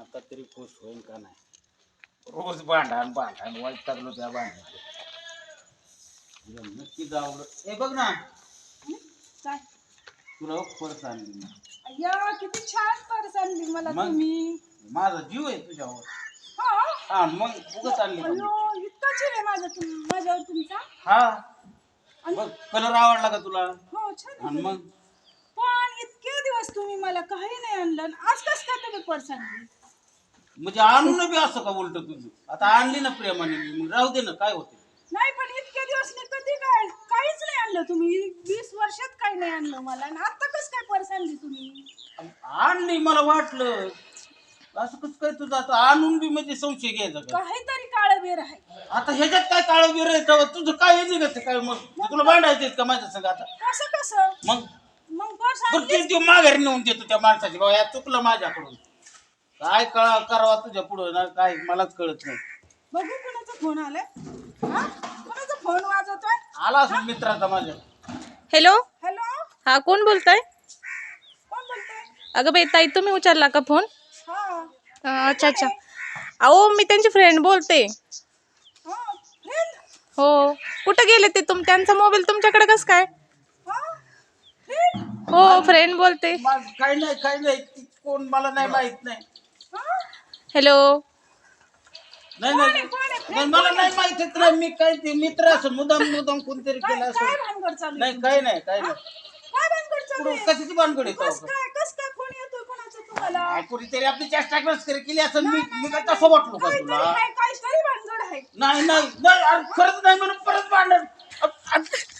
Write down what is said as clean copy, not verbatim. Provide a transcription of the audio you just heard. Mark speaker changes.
Speaker 1: आता तरी खुश होईल का नाही. रोज भांडण वैतागलो त्या भांडण नक्की जावं. ए बघ ना
Speaker 2: काय
Speaker 1: तुला पर्स आणली ना.
Speaker 2: अय्या किती छान पर्स आणली मला
Speaker 1: मग?
Speaker 2: तुम्ही.
Speaker 1: माझा जीव आहे तुझ्यावर.
Speaker 2: हा
Speaker 1: हा मग उगाच आणली का मी?
Speaker 2: अयो इतका जीव आहे माझ्यावर तुमचा.
Speaker 1: हा बघ कलर आवडला का तुला?
Speaker 2: हो छान आहे.
Speaker 1: आणि मग
Speaker 2: पण इतके दिवस तुम्ही मला काही नाही आणलं आणि आज कसं काय तुम्ही पर्स आणली?
Speaker 1: म्हणजे आणून बी असं का उलट तुझं? आता आणली ना प्रेमाने मी, मग राहू दे ना, काय होते.
Speaker 2: नाही पण इतके दिवस मी कधी काय काहीच नाही आणलं तुम्ही. 20 वर्षात काही नाही आणलं मला आणि आता कसं काय पर्स आणली तुम्ही?
Speaker 1: आणली मला वाटलं असं कसं काय तुझं. आता आणून बी म्हणजे संशय घ्यायचा का?
Speaker 2: काहीतरी काळं बेर आहे.
Speaker 1: आता ह्याच्यात काय काळं बिर आहे तेव्हा तुझं काय निघत काय? मग तुला भांडायचं का माझ्या संग आता?
Speaker 2: कसं कसं
Speaker 1: मग
Speaker 2: मग पर्स
Speaker 1: बरं
Speaker 2: आणली.
Speaker 1: ते माघारी नेऊन देतो त्या माणसाची. बाबा या चुकलं माझ्याकडून. काय करावा तुझ्या पुढं ना काय मलाच कळत नाही.
Speaker 2: बघू कोणाचा फोन आलाय. हा कोणाचा फोन वाजवतोय?
Speaker 1: आला असून मित्राचा माझ्या.
Speaker 3: हॅलो.
Speaker 2: हॅलो
Speaker 3: हा कोण बोलताय?
Speaker 2: कोण बोलतोय?
Speaker 3: अगं बाई ताई तुम्ही उचलला का फोन?
Speaker 2: हा
Speaker 3: अच्छा अच्छा. अहो मी त्यांची फ्रेंड बोलते.
Speaker 2: हा फ्रेंड.
Speaker 3: हो. कुठं गेले ते त्यांचा मोबाईल तुमच्याकडे कसं काय?
Speaker 2: हा फ्रेंड.
Speaker 3: हो फ्रेंड बोलते.
Speaker 1: काही नाही कोण मला नाही माहित नाही.
Speaker 2: हा
Speaker 1: नाही
Speaker 2: कोण आहे?
Speaker 1: नाही मला नाही माहित नाही. मी काय ते मित्र असं मुदाम कोणतरी केलं
Speaker 2: काय
Speaker 1: असं.
Speaker 2: भानगड चालू आहे?
Speaker 1: नाही काही नाही
Speaker 2: काय भानगड चालू आहे?
Speaker 1: कशाची भानगड आहे
Speaker 2: कस
Speaker 1: तेव्हा?
Speaker 2: काय फोन येतोय कोणाचा तुम्हाला?
Speaker 1: काय कोणीतरी आपली चेष्टा केली असं. मी काय तसं वाटलो का
Speaker 2: काहीतरी
Speaker 1: तुला?
Speaker 2: आहे, काहीतरी भानगड आहे.
Speaker 1: नाही अरे खरंच नाही म्हणून परत भांडण.